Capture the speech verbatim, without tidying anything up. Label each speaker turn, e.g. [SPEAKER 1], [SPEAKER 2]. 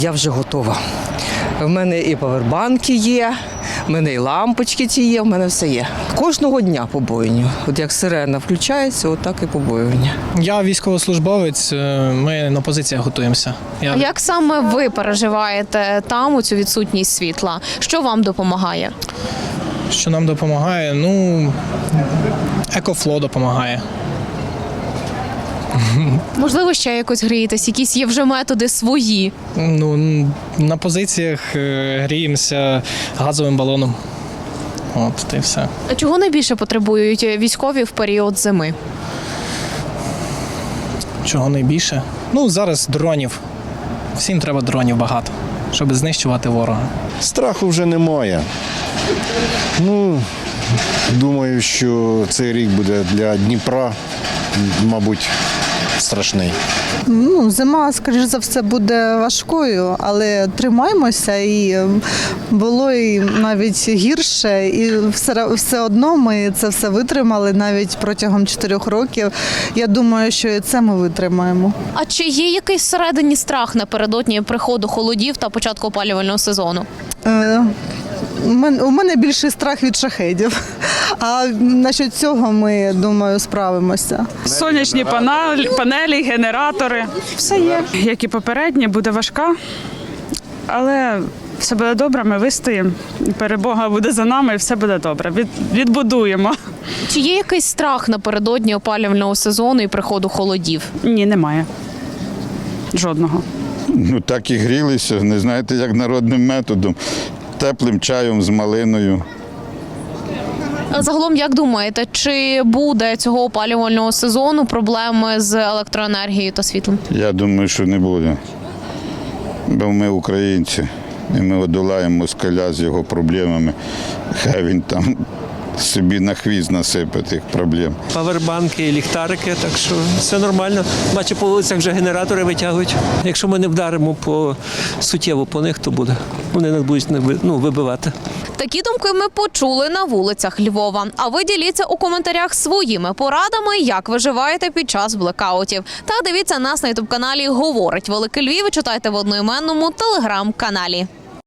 [SPEAKER 1] Я вже готова. В мене і павербанки є, в мене і лампочки ці є, в мене все є. Кожного дня побоювання. От як сирена включається, отак і побоювання.
[SPEAKER 2] Я військовослужбовець, ми на позиціях готуємося. Я...
[SPEAKER 3] А як саме ви переживаєте там у цю відсутність світла? Що вам допомагає?
[SPEAKER 2] Що нам допомагає? Ну, екофло допомагає.
[SPEAKER 3] Можливо, ще якось грієтесь, якісь є вже методи свої?
[SPEAKER 2] Ну, на позиціях е, гріємося газовим балоном. От, та й все.
[SPEAKER 3] А чого найбільше потребують військові в період зими?
[SPEAKER 2] Чого найбільше? Ну, зараз дронів. Всім треба дронів багато, щоб знищувати ворога.
[SPEAKER 4] Страху вже немає. Ну, думаю, що цей рік буде для Дніпра, мабуть, страшний.
[SPEAKER 5] Ну, зима, скоріш за все, буде важкою, але тримаємося, і було і навіть гірше, і все, все одно ми це все витримали навіть протягом чотирьох років. Я думаю, що і це ми витримаємо.
[SPEAKER 3] А чи є якийсь всередині страх напередодні приходу холодів та початку опалювального сезону?
[SPEAKER 5] Е, У мене більший страх від шахедів, а насчет цього ми, думаю, справимося.
[SPEAKER 6] Сонячні панелі, панелі, генератори. Все є. Як і попередні, буде важка, але все буде добре, ми вистоїмо. Перемога буде за нами і все буде добре. Від, відбудуємо.
[SPEAKER 3] Чи є якийсь страх напередодні опалювального сезону і приходу холодів?
[SPEAKER 6] Ні, немає. Жодного.
[SPEAKER 7] Ну так і грілися, не знаєте, як народним методом. Теплим чаєм з малиною.
[SPEAKER 3] А загалом, як думаєте, чи буде цього опалювального сезону проблеми з електроенергією та світлом?
[SPEAKER 7] Я думаю, що не буде. Бо ми українці, і ми одолаємо москаля з його проблемами. Хай він там собі на хвіст насипе тих проблем.
[SPEAKER 8] Павербанки, ліхтарики, так що все нормально. Бачу, по вулицях вже генератори витягують. Якщо ми не вдаримо по суттєво по них, то буде. Вони нас будуть ну, вибивати.
[SPEAKER 3] Такі думки ми почули на вулицях Львова. А ви діліться у коментарях своїми порадами, як виживаєте під час блекаутів. Та дивіться нас на ютуб-каналі «Говорить Великий Львів» і читайте в одноіменному телеграм-каналі.